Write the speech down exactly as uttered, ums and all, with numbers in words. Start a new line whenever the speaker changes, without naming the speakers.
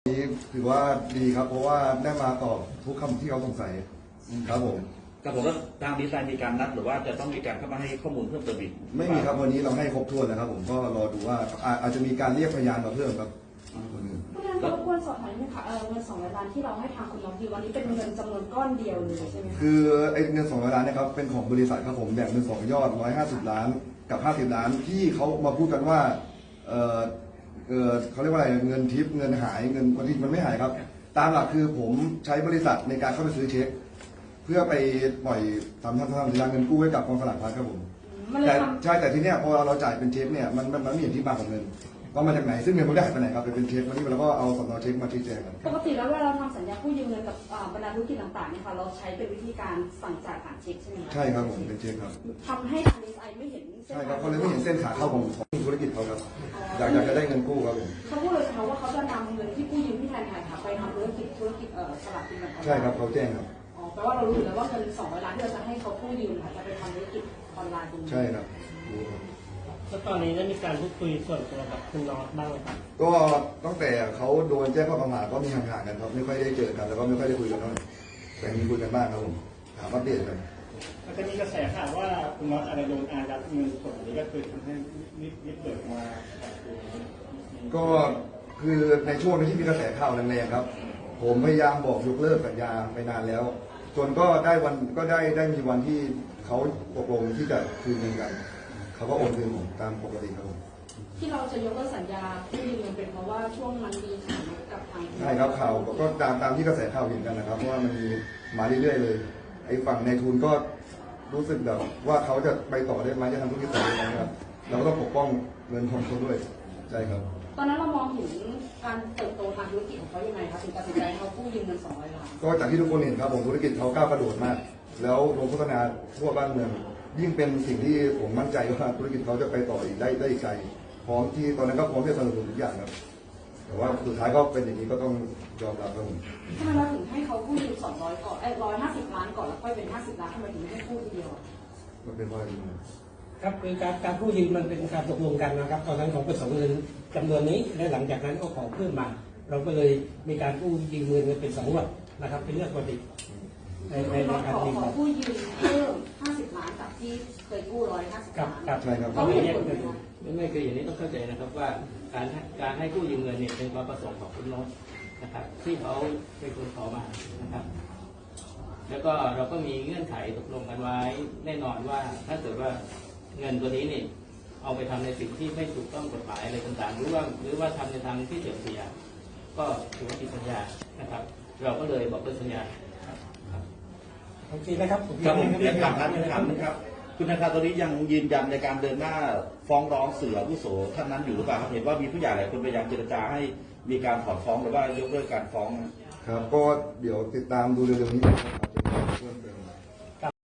นี้ถือว่าดีครับเพราะว่าได้มาตอบทุกคำที่เขาสงสัยครับผม
ครับผมแล้วทางดีไซน์มีการนัดหรือว่าจะต้องมีการเข้ามาให้ข้อมูลเพิ่มเติมอีก
ไม่มีครับวันนี้เราให้ครบถ้วนแล้วครับผมก็รอดูว่าอาจจะมีการเรียกพยานมาเพิ่มครับ
ผู้นั้นรบกวนสอบถามนิดนึงค่ะเงินสองร้อยล้านที่เราให้ทางคุณน้องดีวันนี้เป็นเงินจำนวนก้อนเดียวเลยใช่ไหมคะ
คือไอ้เงินสองร้อยล้านนะครับเป็นของบริษัทครับผมแบ่งเป็นสองยอดร้อยห้าสิบล้านกับห้าสิบล้านที่เขามาพูดกันว่าเออเออเขาเรียกว่าอะไรเงินทิปเงินหายเงินบางทีมันไม่หายครับตามหลักคือผมใช้บริษัทในการเข้าไปซื้อเช็คเพื่อไปปล่อยทำทำทำสัญญาเงินกู้ให้กับกองสลากพลัสครับผมแต่ใช่แต่ทีเนี้ยพอเราจ่ายเป็นเช็คเนี่ยมันมันมันไม่เห็นที่มาของเงินว่ามาจากไหนซึ่งเงินมันได้หายไปไหนครับเป็นเช็ควันนี้เราก็เอาสำเนาเช็คมาชี้แจงกัน
ปกติแล้วเวลาเราทำสัญญากู้ยืมเงินกับบรรดาธุรกิจต่างๆเนี่ยค่ะเราใช้เป็นวิธีการสั่งจ่ายผ่านเช็คใช่ไหมคะ
ใช่ครับผมเป็นเช็คครับ
ทำให้ทางดีไซน์ไม่เห็นเส้น
ใช่ครับเขาเลยไม่เห็นเส้นขาเข้าของของธุรกิจเขาครับอยากอยากจะได้เงินกู้ครับผม
เขาพูดเลยค่ะว่าเขาจะนำเงินที่กู้ยืมที่แทนไทยค่ะไปทำธุรกิจธุรกิจเอ่อสลากกินแบ่ง
ใช่ครับเขาแจ้งครับ
อ๋อแปลว่าเรารู้อยู่แล้วว่าเงินสองร้อยล้านที่เราจะให้เขากู้ยืมค่ะจะไปทำธุรกิจออนไลน์ตรงนี้
ใช่ครับ
แล้วตอนนี้ได้มีการพูดคุยส่วนตัวกับคุณน็อตบ้างไหมครับ
ก็ตั้งแต่เขาโดนแจ้งข้อกล่าวหาก็มีห่างๆกันครับไม่ค่อยได้เจอกันแล้วก็ไม่ค่อยได้คุยกันเท่าไหร่แต่มีคุยกันบ้างครับผมถามอัปเดตกัน
แล้วก็มีกระแสข่าวว่าคุณน็อตอะไรโดนอายัดเงินส่วนนี้ก็คือทำให้นิดนิดเปิดมา
ก็คือในช่วงที่มีกระแสข่าวแรงๆครับผมพยายามบอกยกเลิกสัญญาไปนานแล้วจนก็ได้วันก็ได้ได้มีวันที่เขาตกลงที่จะคืนเงินกันเขาก็โอนคืนผมตามปกติครับผม
ที่เราจะยกเลิกสัญญากู้ยืมเงินเป็นเพราะว่าช่วงมันมีข่าวกับทาง
ใช่ครับข่าวก็ตามตามที่กระแสข่าวเห็นกันนะครับเพราะว่ามันมีมาเรื่อยๆเลยไอ้ฝั่งในทุนก็รู้สึกแบบว่าเขาจะไปต่อได้ไหมจะทำธุรกิจต่อได้ไหมครับเราก็ต้องปกป้องเงินของเขาด้วยใช่ครับ
ตอนนั้นเรามองถึงการเติบโตทางธุรกิจของเขายังไงคะถึงตัดสินใจเขากู้ยืมเงินสองร้อยล้าน
ก็จากที่ทุกคนเห็นครับผมธุรกิจเขาก้าวกระโดดมากแล้วลงโฆษณาทั่วบ้านเมืองยิ่งเป็นสิ่งที่ผมมั่นใจว่าธุรกิจเขาจะไปต่ออีกได้ได้อีกไกลพร้อมที่ตอนนั้นก็พร้อมที่จะสนับสนุนทุกอย่างครับแต่ว่าสุดท้ายก็เป็นอย่างนี้ก็ต้องยอมรับครับผม
ทำไมเราถึงให้เขากู้ยืมสองร้อยก่อนไอ้ร้อยห้าสิบล้านก่อนแล้วค่อยเป็นห้าสิบล้านทำไมถึงไม่ให้กู้ทีเดียว
มันเป็นเพราะอะไร
ครับคือการการกู้ยืมมันเป็นการตกลงกันนะครับตอนนั้นของประสงค์เงินจำนวนนี้และหลังจากนั้นก็ขอเพิ่มมาเราก็เลยมีการกู้ยืมเงินเป็นสองงวดนะครับเป็นเรื่องปกติ
ในในการขอกู้ยืมเพิ่มห้าสิบล้านจากที่เคยกู้ร้อยห้าสิบล้าน
ใช่ครับ
เขาไม่เห็นผล
ไม่ไม่คืออย่างนี้ต้องเข้าใจนะครับว่าการการให้กู้ยืมเงินเนี่ยเป็นความประสงค์ของคุณโน้ตนะครับที่เขาเป็นคนขอมานะครับแล้วก็เราก็มีเงื่อนไขตกลงกันไว้แน่นอนว่าถ้าเกิดว่าเงินตัวนี้เนี่ยเอาไปทำในสิ่งที่ไม่ถูกต้องกฎหมายอะไรต่างๆหรือว่าหรือว่าทำในทางที่เสื่อมเสียก็ถือว่าผิดสัญญานะครับเราก็เลยบอกเลิกสัญญา
โอเคนะครับผม
ครับผมเรียนถามท่านถามนะครับคุณธนาคารตอนนี้ยังยืนยันในการเดินหน้าฟ้องร้องเสือผู้โสท่านนั้นอยู่หรือเปล่าครับเห็นว่ามีผู้ใหญ่หลายคนพยายามเจรจาให้มีการถอนฟ้องหรือว่ายกเลิกการฟ้อง
ครับก็เดี๋ยวติดตามดูเร็วๆนี้นะครับอาจจะมีเพิ่มเติม